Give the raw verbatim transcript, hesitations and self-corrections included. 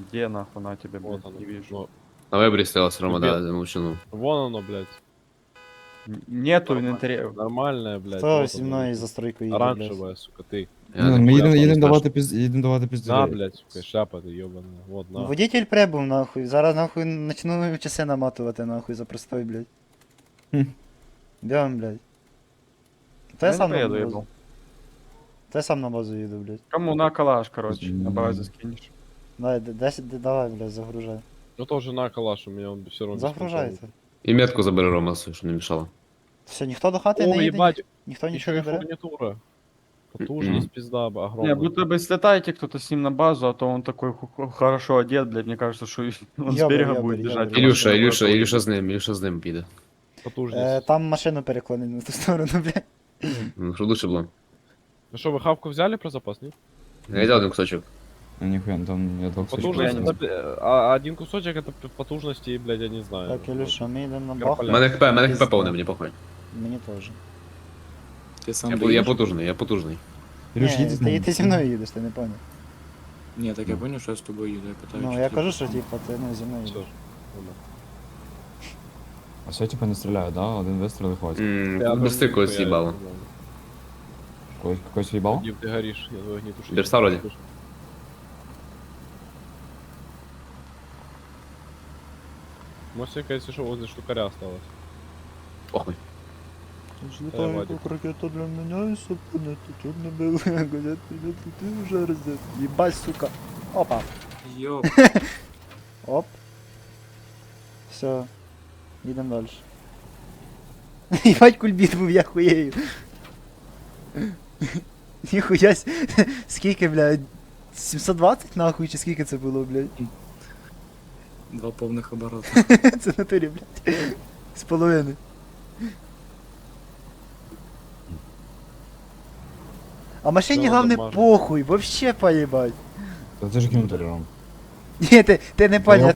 Где нахуй на тебе, Вот блядь, оно. не вижу. Ну, На вебрі стрілась, Рома, Ребят. да, замовчану. вон оно, блядь. Н- Нету Нормально. инвентаря. Нормальное, блядь. Хто вот зі оно, мною лежит. за стройку їде, блядь? Оранжевая, сука, ты. Я Ну, не ми понял, їдемо що їдемо не давати знаєш. піз... їдемо давати пізді. На, блядь, сука, шляпа ты ебаная. Вот, на. Водитель прибув, нахуй. Зараз нахуй начну часи наматувати, нахуй, за простой, блядь. Хм. Бігом, блядь. Та я Я сам не на поеду, базу. ебал. Та я сам на базу їду, блядь. Кому на калаш, короче, на М. базе скинешь. Давай, д- десять, д- давай, блядь, загружай. Ну тоже на калаш, у меня он все равно. Загружайте. І метку забери, Рома, щоб не мішало. Все, ніхто до хати О, не їде, ебать, ні- ніхто еще нічого и не бере. фурнитура. Потужность, пизда, б- огромная. Не, будто бы слетаете кто-то с ним на базу, а то он такой ху- ху- хорошо одет, блядь, мне кажется, что он с Ёбарь, берега ёбарь, будет ёбарь. бежать. Ілюша, машина Ілюша, будет Ілюша уходить. з ним, Ілюша з ним піде. Потужность. Е, там машину переклонить на ту сторону, блядь. Ну, щоб лучше було. Ну что, вы хавку взяли про запас, нет? Я взяв один кусочок. А, ніхуя, там я двох Потужность, не это, бля, а один кусочек это п- потужности, блядь, я не знаю. Так, Ілюша, ми йдемо на бах. Микрополя. У мене хп, у мене хп Пізда. повне, мені похуй. Мені теж. Ти сам Я, бу- я доїдеш? потужний, я потужний. Ілюш, Ні, їдь з ти, нами. ти зі мною їдеш, ти не поняв. Ні, так я поняв, що я з тобою їду, я питаю. Ну, чи я ти- кажу, що типа, ти ну, зі мною Всё. їдеш. Ну, А все, типа, не стріляють, да? Один вистріл і хватить. Ммм, Я без там когось нихуя з'їбало. не знаю. Когось, когось в'їбав? Вадим, ты горишь, я твой огнетушитель. Берса вроде. Мостика, если что, возле штукаря осталось. Похуй. Злітаю, Вадик. як ракета для мене, і супинити, чорне біле, газет, ти вже роздет. Їбать, сука. Опа. Йоп, Оп. Все. Їдемо далі. Їбать, кульбіт був, я хуєю. Ніхуя, с- скільки, блядь, сімсот двадцять нахуй, чи скільки це було, блядь? два повних обороти. Це в натурі, блядь. З половини. А машині Ну, главне нормально. похуй, вообще поїбать. Та це ж кінтер, Ром. Ні, ти, ти не поняв.